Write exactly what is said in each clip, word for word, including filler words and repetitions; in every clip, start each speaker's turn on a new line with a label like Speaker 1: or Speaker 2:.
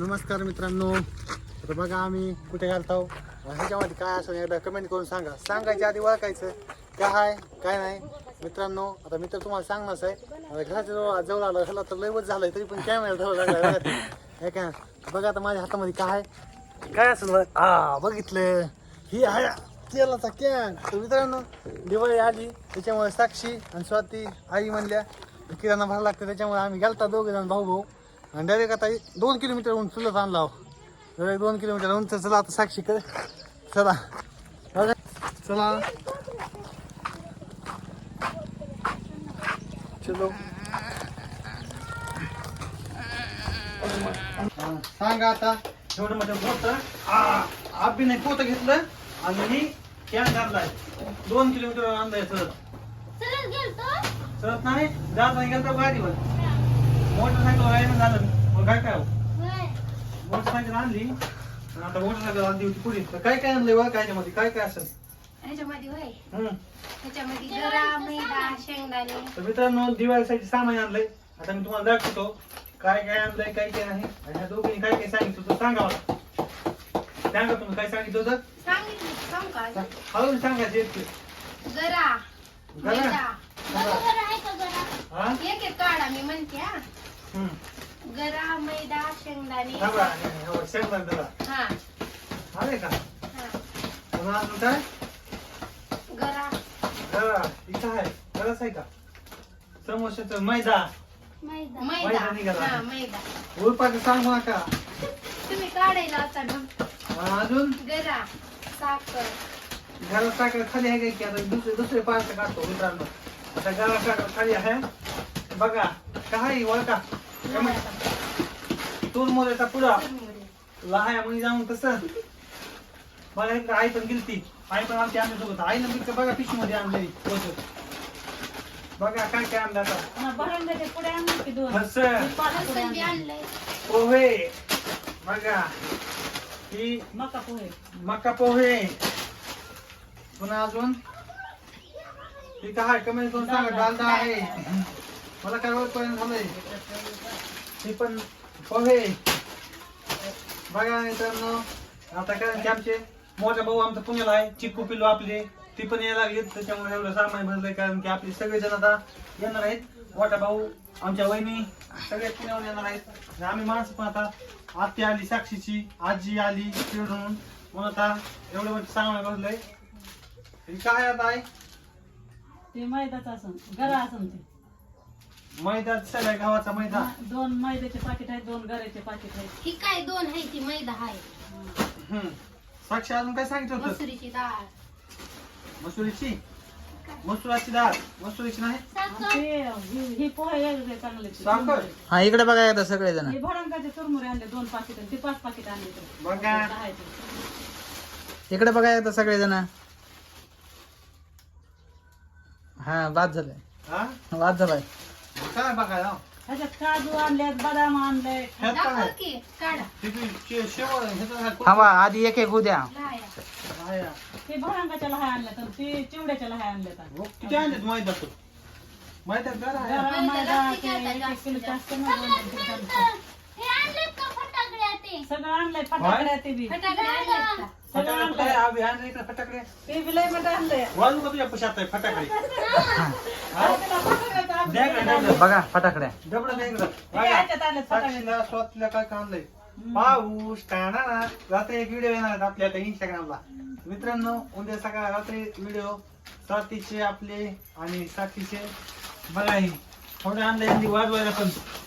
Speaker 1: नमस्कार मित्रांनो, तर बघा आम्ही कुठे घालतो ह्याच्यामध्ये काय असं एकदा कमेंट करून सांगा. सांगायच्या आधी ओळखायचं काय आहे काय नाही. मित्रांनो आता मी तर तुम्हाला सांगणारच आहे. आता घराच्या जवळ जवळ आलं ह्याला तर लयवच झालंय तरी पण कॅमेरा जवळ लागला हे काय. बघा आता माझ्या हातामध्ये काय आहे काय असं हा बघितलं ही आहे तेलाचा कॅन. तर मित्रांनो दिवाळी आली त्याच्यामुळे साक्षी आणि स्वाती आई म्हणल्या किराणा भरायला लागतं त्याच्यामुळे आम्ही गेलता दोघे जण भाऊ भाऊ आणि डायरेक्ट आता दोन किलोमीटर उंच चुलत आणला. डायरेक्ट दोन किलोमीटर उंच. चला आता साक्षी कर चला बघा चला चलो सांगा आता एवढं मोठं पोतं आबी नाही पोतं घेतलं आणि मी कॅन घातलाय दोन किलोमीटर आणलाय सरळ सरळ नाही जात नाही गेलं तर गाडीवर मोटरसायकल राहिलं झालं मग काय काय मोटरसायकल आणली आता मोटरसायकल आणली होती पुढे तर काय काय आणलंय बघा ह्याच्यामध्ये काय काय असेल
Speaker 2: ह्याच्यामध्ये होय
Speaker 1: हम्म
Speaker 2: ह्याच्यामध्ये गरा मैदा शेंगदाणे.
Speaker 1: तर मित्रांनो दिवाळीसाठी सामान आणलंय. आता मी तुम्हाला दाखवतो काय काय आणलंय काय काय नाही आणि ह्या दोघींनी काय काय सांगितलं तर सांगा मला. सांगा तुम्ही काय सांगितलं होतं
Speaker 2: सांगितलं सांगू का
Speaker 1: हळून सांगायचं एक
Speaker 2: गरा मैदा
Speaker 1: हा
Speaker 2: एक एक काढा मी म्हणते हा.
Speaker 1: हम्म
Speaker 2: गरा मैदा शेंगदाणे.
Speaker 1: हा बघा हे शेंगदाणे त्याला
Speaker 2: हा
Speaker 1: आले का
Speaker 2: हा
Speaker 1: पुन्हा अजून काय
Speaker 2: गरा
Speaker 1: गरा इथं आहे गरज आहे का समोशाचं मैदा
Speaker 2: मैदा
Speaker 1: मैदा निघाला.
Speaker 2: हा मैदा
Speaker 1: उरपाचं सांगू नका.
Speaker 2: तुम्ही काढायला होता ना.
Speaker 1: हा, अजून
Speaker 2: गरा साखर
Speaker 1: घरात साखर खाली आहे का की आता दुसरे दुसरे पार्ट काढतो मित्रांनो. आता घरात साखर खाली आहे बघा काय ओळखा तूर मोऱ्याचा पुडा लहाया म्हणजे जाऊन कसं बघा एकदा आई पण गेलती आई पण आमची आणली सोबत आईनं मी बघा पिशवी मध्ये आणलेली पोहोचत बघा काय काय आणलं आता
Speaker 2: लसूण बी आणलंय.
Speaker 1: पोहे बघा ही
Speaker 3: मका पोहे
Speaker 1: मका पोहे पुन्हा अजून ही काय कमेंट करून सांगा डालडा आहे मला काय ओळखपर्यंत झालंय ही पण पोहे बघा मित्रांनो. आता कारण की आमचे मोठा भाऊ आमचा पुण्याला आहे चिक्कू पिल्लू आपले ती पण यायला लागली त्याच्यामुळे एवढं सामान भरलंय कारण की आपले सगळेजण आता येणार आहेत. मोठा भाऊ आमच्या वहिनी सगळे पुण्यावर येणार आहेत आणि आम्ही माणसं पण आता आत्या आली साक्षीची आजी आली तिकडून म्हणून आता एवढं मोठं सामान भरलंय. हे काय आता आहे
Speaker 3: ते मैदाच असन गरा असन ते
Speaker 1: मैदा सगळ्या गावाचा मैदा
Speaker 3: दोन मैद्याचे पाकिट आहेत दोन गऱ्याचे पाकिट आहेत.
Speaker 2: ही काय दोन आहे ती मैदा आहे.
Speaker 1: हम्म साक्षी अजून काय सांगितलं होतं
Speaker 2: मसुरीची डाळ
Speaker 1: मसुरीची मसुराची डाळ मसुरीची नाही
Speaker 3: ते हे- हे पोहे वेगळे चांगले ते.
Speaker 1: साखर
Speaker 4: हा इकडे बघा एकदा सगळेजण
Speaker 3: हे भडंगाचे चुरमुरे आणले दोन पाकिट ते पाच पाकिट आणले ते.
Speaker 1: बघा
Speaker 3: दहा आहेत ते.
Speaker 4: इकडे बघा एकदा सगळेजण हा बाद झालाय
Speaker 1: हा
Speaker 4: बाद झालाय
Speaker 1: काय बघायला
Speaker 3: ह्याच्यात काजू आणल्यात बदाम आणले
Speaker 1: ह्यात काय
Speaker 2: दाखव
Speaker 1: आहे?
Speaker 2: की काढा
Speaker 1: तिथे शे- शेवळ ह्याचं काय
Speaker 4: हा बा आधी एक एक उद्या
Speaker 2: लाया.
Speaker 1: आहे.
Speaker 3: ते भडंगाच्या लहाय आणल्यात आणि ते चिवड्याच्या लहाय आणल्यात.
Speaker 1: हो, किती आणलेत मैदा तो मैदा गरा आहे
Speaker 3: गरा
Speaker 2: मैदा
Speaker 3: मैदा
Speaker 2: जास्तीत
Speaker 3: ते
Speaker 2: जास्त
Speaker 3: एक एक किलो जास्त
Speaker 2: जास्त.
Speaker 3: नाही दोन तीन किलो. सगळं आणलंय फटाकड्या ते बी
Speaker 2: फटाकडे आणलेत का?
Speaker 3: सगळं
Speaker 1: फटाकडे
Speaker 3: आणलंय
Speaker 1: काय आम्ही आणले इकडे फटाकडे
Speaker 3: ते बी लय मोठं आणलंय.
Speaker 1: वाजू का तुझ्या पशात आहे फटाकडे द्या इकडे, द्या इकडे.
Speaker 4: बघा फटाकड्या
Speaker 1: डबडं द्या इकडं.
Speaker 3: ते
Speaker 1: बघा.
Speaker 3: ह्याच्यात आणलेत फटाकडे.
Speaker 1: साक्षीला स्वातीला काय काय आणलंय पाऊस टाळा रात्री एक व्हिडिओ येणार आहेत आपल्या आता इंस्टाग्रामला. मित्रांनो उद्या सकाळ रात्री व्हिडिओ स्वातीचे आपले आणि साक्षीचे बघा हे थोडं आणलंय यांनी वाजवायला पण.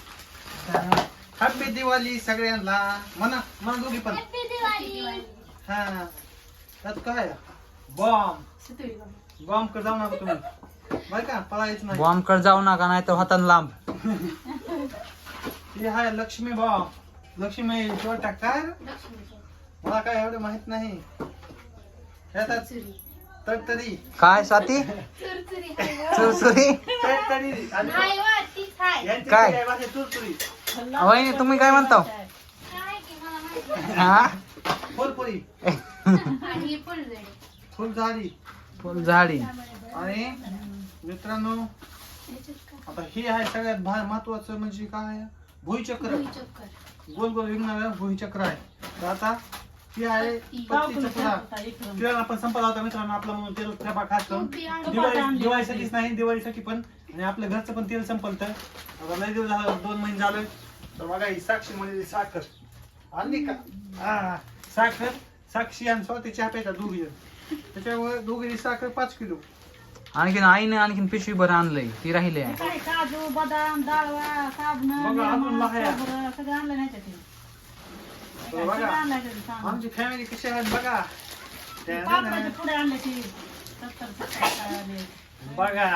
Speaker 1: हॅपी दिवाळी सगळ्यांना म्हणा म्हणा दोघी पण हा त्यात काय बॉम्ब
Speaker 2: सुतळी बघ.
Speaker 1: बॉम्ब कर जाऊ नका तुम्ही बरं का पळायचं नाही.
Speaker 4: बॉम्ब कड जाऊ नका नाही तर हातान लांब.
Speaker 1: हे हाय लक्ष्मी बॉम्ब लक्ष्मी छोटा काय
Speaker 2: लक्ष्मीचं.
Speaker 1: मला काय एवढं माहित नाही ह्याच्यात
Speaker 2: चुरी.
Speaker 1: तडतडी
Speaker 4: काय स्वाती
Speaker 2: चुरचुरी आहे व.
Speaker 4: सुरसुरी
Speaker 1: तडतडी आणि
Speaker 2: नाही व, तीच आहे.
Speaker 1: यांची
Speaker 4: काय?
Speaker 1: काय भाषा तुरतुरी
Speaker 4: वहिनी तुम्ही काय म्हणता
Speaker 2: काय की मला माहित नाही.
Speaker 4: हा
Speaker 1: फुलपुरी
Speaker 2: आणि हे फुलझडी.
Speaker 1: फुलझाडी
Speaker 4: फुलझाडी
Speaker 1: आणि मित्रांनो
Speaker 2: ह्याच्यात काय?
Speaker 1: आता हे आहे सगळ्यात भार महत्वाचं म्हणजे काय भुईचक्र
Speaker 2: भुईचक्कर.
Speaker 1: गोल गोल विकणारा भुईचक्र आहे. तर आता ती आहे पत्तीचा पुडा. किराणा पण संपला होता मित्रांनो आपला, म्हणून तेल डबा खास करून दिवाळी दिवाळीसाठीच नाही, दिवाळीसाठी पण आणि आपल्या घरचं पण तेल संपलं. तर आता लय दिवस झालं, दोन महिने झाले. तर बघा ही साक्षी म्हणजे साखर आणली का, हा साखर साक्षी आणि स्वतः चहा प्यायचा दोघी जण, त्याच्यामुळे दोघी साखर पाच किलो.
Speaker 4: आणखीन आईने आणखीन पिशवी भर आणलंय, ती राहिली आहे.
Speaker 3: काय काजू बदाम डाळवा साबण
Speaker 1: बघा, आपण लहाया.
Speaker 3: सगळं आणलं नाही त्याचे
Speaker 1: तर बघा
Speaker 3: सगळं आणलंय त्याचं सामान.
Speaker 1: आमची फॅमिली कशी आहे बघा.
Speaker 3: पापडाचे पुढे आणले ती सत्तर सत्तर आले.
Speaker 1: बघा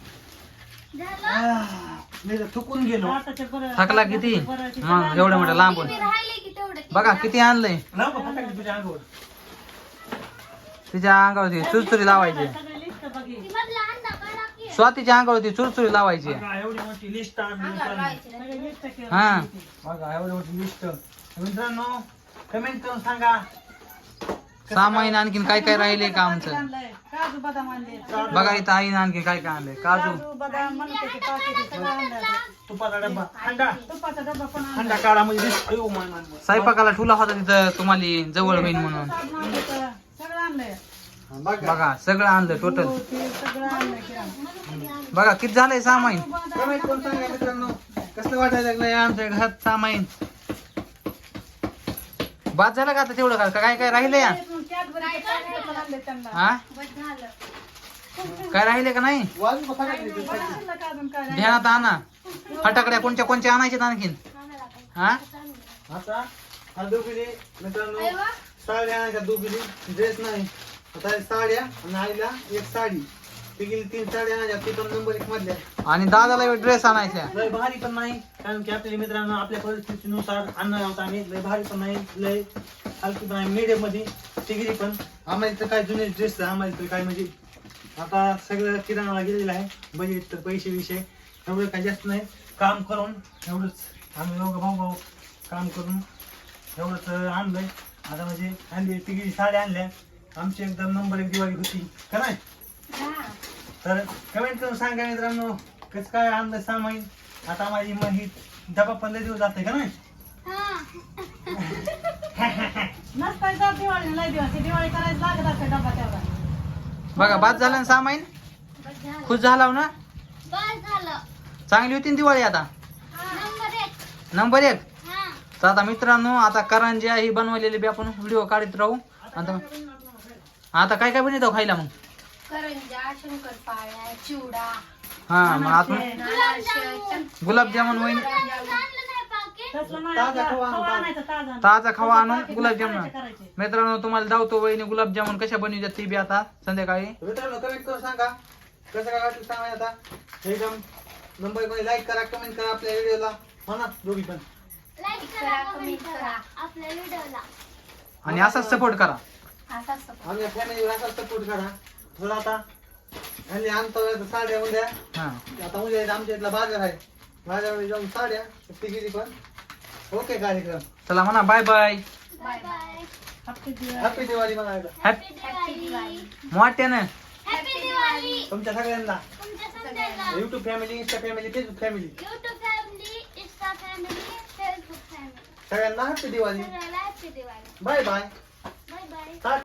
Speaker 1: आह, मी तर थुकून गेलो.
Speaker 3: आताचे बरं
Speaker 4: थकला किती मग एवढं मोठं लांबून.
Speaker 2: मी राहिले की तेवढं ते
Speaker 4: बघा किती आणलंय.
Speaker 1: लाव का फटाके तुझ्या अंगावर.
Speaker 4: तिच्या अंगावरती चुरचुरी लावायची.
Speaker 3: सगळे लिस्ट बघी
Speaker 2: ती मधला अंडा काढा की
Speaker 4: स्वातीच्या अंगावरती चुरचुरी लावायची.
Speaker 1: बघा एवढी मोठी लिस्ट आणली
Speaker 2: अंगावर
Speaker 1: मित्रांनो.
Speaker 2: लावायची नाही.
Speaker 3: सगळे लिस्ट केलं
Speaker 4: हा.
Speaker 1: बघा एवढी मोठी लिस्ट. मित्रांनो कमेंट करून सांगा
Speaker 4: सामाईन आणखीन काय काय राहिले का आमचं.
Speaker 3: आणलंय काजू बदाम आणले
Speaker 4: बघा इथं आईने आणखीन काय काय आणलंय. काजू
Speaker 3: काजू बदाम मनुक्याचे पाकिट सगळं आणलं
Speaker 1: तुपाचा डब्बा अंडा
Speaker 3: तुपाचा डबा पण आणला.
Speaker 1: अंडा काढा म्हणजे लिस्ट. अयो मान मान मान.
Speaker 4: स्वयंपाकाला ठुला होता तिथं तुम्हाला जवळ होईल म्हणून.
Speaker 3: साबण आणलं तर सगळं आणलंय
Speaker 1: हा, बघा
Speaker 4: बघा सगळं आणलं टोटल.
Speaker 3: हो, ते सगळं आणलंय किराणा.
Speaker 4: बघा किती झालंय सामाईन.
Speaker 1: कमेंट करून सांगा मित्रांनो कसं वाटायला लागलंय
Speaker 4: आमच्या घरात सामाईन बाद झालं का आता तेवढं का काय काय राहिलंय या?
Speaker 3: कॅडबरीचे packet पण आणले त्यांना.
Speaker 4: हा
Speaker 2: बस झालं.
Speaker 4: काय राहिले का नाही.
Speaker 1: वाजू का फटाके
Speaker 3: बरं आणलं का अजून काय?
Speaker 4: ध्यानात आणा. फटाकड्या कोणत्या कोणत्या आणायच्यात आणखीन. हा
Speaker 1: आता हा दोघीने मित्रांनो
Speaker 2: अरे वा.
Speaker 1: साड्या आणायच्या दोघीने ड्रेस नाही. आता साड्या आणि आईला एक साडी. ती गेली तीन साड्या आणायच्या, ती पण नंबर एक मधल्या.
Speaker 4: आणि दादाला ड्रेस आणायचा.
Speaker 1: लय भारी पण नाही, कारण की आपल्या मित्रांनो आपल्या परिस्थितीनुसार आणणार आहोत आम्ही. लय भारी पण नाही, लय हलकी पण नाही, मीडियम मध्ये तिघी पण. आम्हाला तर काय जुने ड्रेस आम्हाला तर काय म्हणजे आता सगळं किराणाला गेलेलं आहे. बजेट तर पैसे विषय एवढं काय जास्त नाही. काम करून एवढंच आम्ही दोघं भाऊ भाऊ काम करून एवढंच आणलंय. आता म्हणजे आणली तिघी साड्या आणल्या. आमची एकदम नंबर एक दिवाळी होती का नाही.
Speaker 2: हा.
Speaker 1: तर कमेंट करून सांगा मित्रांनो कसं काय आणलं सामान. आता माझी मग ही डबा पंधरा दिवस जाते का नाही.
Speaker 2: हा.
Speaker 3: नसताय जात दिवाळी लय दिवस. ती दिवाळी करायला लागत असते डबा तेवढा.
Speaker 4: बघा बाद झालं ना सामाईन.
Speaker 2: बस झालं.
Speaker 4: खुश झाला ना.
Speaker 2: बस झालं.
Speaker 4: चांगली होती ना दिवाळी आता.
Speaker 2: नंबर एक.
Speaker 4: नंबर एक.
Speaker 2: हा.
Speaker 4: तर आता मित्रांनो आता करंज्या ही बनवलेली बी आपण व्हिडिओ काढत राहू. आता आता काय काय बनवतो खायला मग.
Speaker 2: करंजा शंकरपाळ्या चिवडा
Speaker 4: हा मग आपण
Speaker 2: गुलाबजामुन.
Speaker 4: गुलाबजामुन होईल.
Speaker 2: आणलं नाही पाकीट.
Speaker 3: तसलं नाही
Speaker 1: ताजा
Speaker 3: आपलं
Speaker 1: खवा आणून
Speaker 3: खवा
Speaker 1: टाक.
Speaker 3: आणायचा ताजा.
Speaker 4: ताजा खवा आणून गुलाबजामुन.
Speaker 3: करायचे, करायचे.
Speaker 4: मित्रांनो तुम्हाला दावतो वहिनी गुलाबजामुन कशा बनवतात ती बी आता संध्याकाळी.
Speaker 1: मित्रांनो कमेंट करून सांगा कसं काय वाटलं सांगा. आता एकदम नंबर मध्ये लाईक करा, कमेंट करा आपल्या व्हिडिओला म्हणा दोघी पण.
Speaker 2: लाईक करा कमेंट करा आपल्या व्हिडिओला.
Speaker 4: आणि असाच सपोर्ट करा.
Speaker 2: असाच support.
Speaker 1: आमच्या फॅमिलीला असा सपोर्ट करा. थोडा आता आणि आणतो आता साड्या उद्या.
Speaker 4: हा
Speaker 1: आता उद्या आमच्या इथला बाजार आहे, बाजारामध्ये जाऊन साड्या तिघी पण. ओके कार्यक्रम.
Speaker 4: चला म्हणा बाय बाय.
Speaker 2: Bye bye.
Speaker 3: हप्ते दिवस.
Speaker 1: हॅपी दिवाळी म्हणायला
Speaker 4: हॅपी
Speaker 2: हॅपी दिवाळी.
Speaker 4: मोठ्यानं.
Speaker 2: हॅपी दिवाळी.
Speaker 1: तुमच्या सगळ्यांना.
Speaker 2: तुमच्या सगळ्यांना.
Speaker 1: YouTube family, Insta family, Facebook family
Speaker 2: YouTube family, Insta family, Facebook family.
Speaker 1: सगळ्यांना हॅपी दिवाळी.
Speaker 2: सगळ्याला happy Diwali.
Speaker 1: Bye bye.
Speaker 2: Bye bye.
Speaker 1: Tata.